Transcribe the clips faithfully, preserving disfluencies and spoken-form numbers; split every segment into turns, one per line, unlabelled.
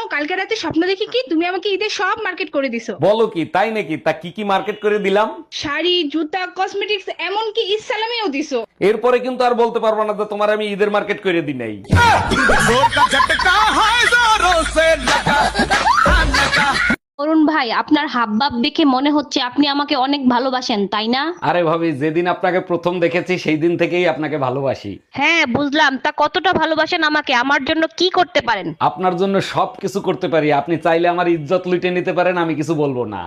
কালকে রাতে স্বপ্ন দেখি কি তুমি আমাকে ঈদের সব মার্কেট করে দিছো।
বলো কি, তাই নাকি? তা কি কি মার্কেট করে দিলাম?
শাড়ি, জুতা, কসমেটিক্স, এমনকি ইসলামিও দিছো।
এরপরে কিন্তু আর বলতে পারবো না যে তোমার আমি ঈদের মার্কেট করে দিই নাই।
অরুণ ভাই, আপনার হাবভাব দেখে মনে হচ্ছে আপনি আমাকে অনেক ভালোবাসেন, তাই না?
আরে ভাবি, যেদিন আপনাকে প্রথম দেখেছি সেই দিন থেকেই আপনাকে ভালোবাসি।
হ্যাঁ বুঝলাম, তা কতটা ভালোবাসেন আমাকে? আমার জন্য কি করতে পারেন?
আপনার জন্য সব কিছু করতে পারি। আপনি চাইলে আমার ইজ্জত লুটে নিতে পারেন, আমি কিছু বলবো না।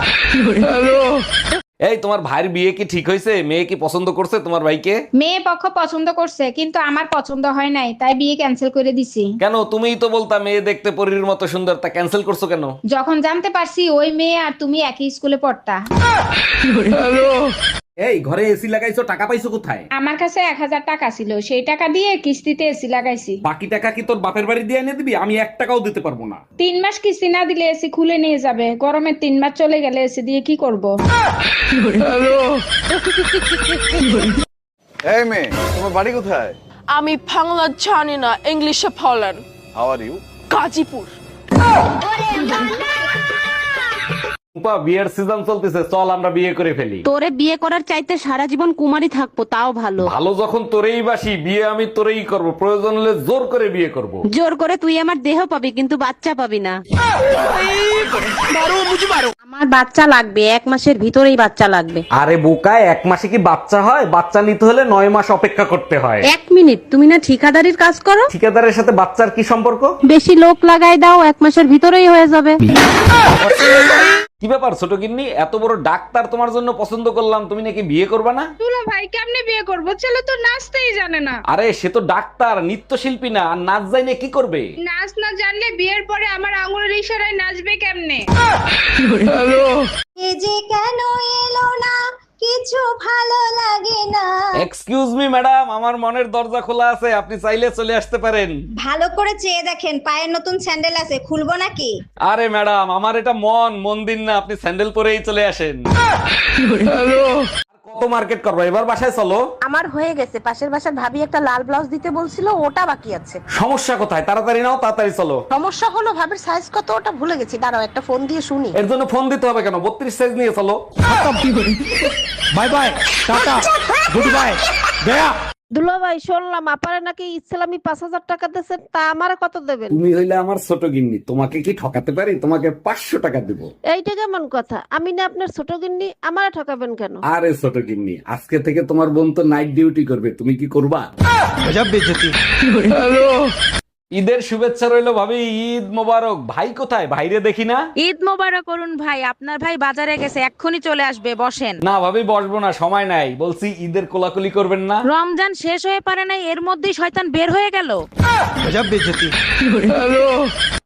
এই, তোমার ভাইয়ের বিয়ে কি ঠিক হয়েছে? মেয়ে কি পছন্দ করছে তোমার ভাইকে?
মেয়ে পক্ষ পছন্দ করছে, কিন্তু আমার পছন্দ হয় নাই, তাই বিয়ে ক্যান্সেল করে দিছি।
কেন? তুমিই তো বলতা মেয়ে দেখতে পরীর মতো সুন্দর, তা ক্যান্সেল করছো কেন?
যখন জানতে পারছি ওই মেয়ে আর তুমি একই স্কুলে পড়তা।
এই, ঘরে এসি লাগাইছো, টাকা পাইছো কোথায়?
আমার কাছে এক হাজার টাকা ছিল, সেই টাকা দিয়ে কিস্তিতে এসি লাগাইছি।
বাকি টাকা কি তোর বাপের বাড়ি দিয়ে এনে দিবি? আমি এক টাকাও দিতে পারবো না।
তিন মাস কিস্তি না দিলে এসি খুলে নিয়ে যাবে। গরমের তিন মাস চলে গেলে এসি দিয়ে কি করব?
এই মেয়ে, তোমার বাড়ি কোথায়?
আমি বাংলা জানি না, ইংলিশে বলেন।
How are you?
Gazipur.
Rupa, বিয়ের সিজন চলতেছে, চল আমরা বিয়ে করে ফেলি।
তোরে বিয়ে করার চাইতে সারা জীবন কুমারী থাকবো তাও ভালো।
ভালো যখন তোরেই বাসি, বিয়ে আমি তোরেই করব, প্রয়োজন হলে জোর করে বিয়ে করব।
জোর করে তুই আমার দেহ পাবি, কিন্তু বাচ্চা পাবি না। আমার বাচ্চা লাগবে, এক মাসের ভিতরেই বাচ্চা লাগবে।
আরে বোকায়, এক মাসে কি বাচ্চা হয়? বাচ্চা নিতে হলে নয় মাস অপেক্ষা করতে হয়।
এক মিনিট, তুমি না ঠিকাদারির কাজ করো?
ঠিকাদারের সাথে বাচ্চার কি সম্পর্ক?
বেশি লোক লাগাই দাও, এক মাসের ভিতরেই হয়ে যাবে।
কি ব্যাপার ছোট গিন্নি, এত বড় ডাক্তার তোমার জন্য পছন্দ করলাম, তুমি নাকি বিয়ে করবে না?
দুলা ভাই, কেমনে বিয়ে করবো? ছেলে তো নাচতেই জানে না।
আরে সে তো ডাক্তার, নৃত্যশিল্পী না, আর নাচ জানে কি করবে?
নাচ না জানলে বিয়ের পরে আমার আঙুলের ইশারায় নাচবে কেমনে?
এ যে কেন এলো না, কিছু ভালো লাগে না।
এক্সকিউজ মি ম্যাডাম, আমার মনের দরজা খোলা আছে, আপনি চাইলে চলে আসতে পারেন।
ভালো করে চেয়ে দেখেন, পায়ের নতুন স্যান্ডেল আছে, খুলবো নাকি?
আরে ম্যাডাম, আমার এটা মন মন্দির না, আপনি স্যান্ডেল পরেই চলে আসেন। কত মার্কেট করবো, এবার বাসায় চলো।
আমার হয়ে গেছে, পাশের বাসার ভাবি একটা লাল ব্লাউজ দিতে বলছিল, ওটা বাকি আছে।
সমস্যা কোথায়? তাড়াতাড়ি নাও, তাড়াতাড়ি চলো।
সমস্যা হলো ভাবির সাইজ কত ওটা ভুলে গেছি, দাঁড়াও একটা ফোন দিয়ে শুনি।
এর জন্য ফোন দিতে হবে কেন? বত্রিশ সাইজ নিয়ে চলো।
Bye bye, tata, good bye, গয়া।
দুলা ভাই, শুনলাম আপারে নাকি ইসলামি পাঁচ হাজার টাকা দিচ্ছেন, তা আমারে কত দেবেন?
তুমি হইলে আমার ছোট গিন্নি, তোমাকে কি ঠকাতে পারি? তোমাকে পাঁচশো টাকা দিব।
এইটা কেমন কথা? আমি না আপনার ছোট গিন্নি, আমারে ঠকাবেন কেন?
আরে ছোট গিন্নি, আজকে থেকে তোমার বোন তো নাইট ডিউটি করবে, তুমি কি করবা?
গজব বেইজ্জতি।
ঈদের শুভেচ্ছা রইলো ভাবি, ঈদ মোবারক। ভাই কোথায়? ভাইরে দেখি না।
ঈদ মোবারক অরুণ ভাই, আপনার ভাই বাজারে গেছে, এক্ষুনি চলে আসবে, বসেন।
না ভাবি, বসবো না, সময় নাই। বলছি ঈদের কোলাকুলি করবেন না?
রমজান শেষ হয়ে পারে নাই, এর মধ্যেই শয়তান বের হয়ে গেল।
গজব বেইজ্জতি।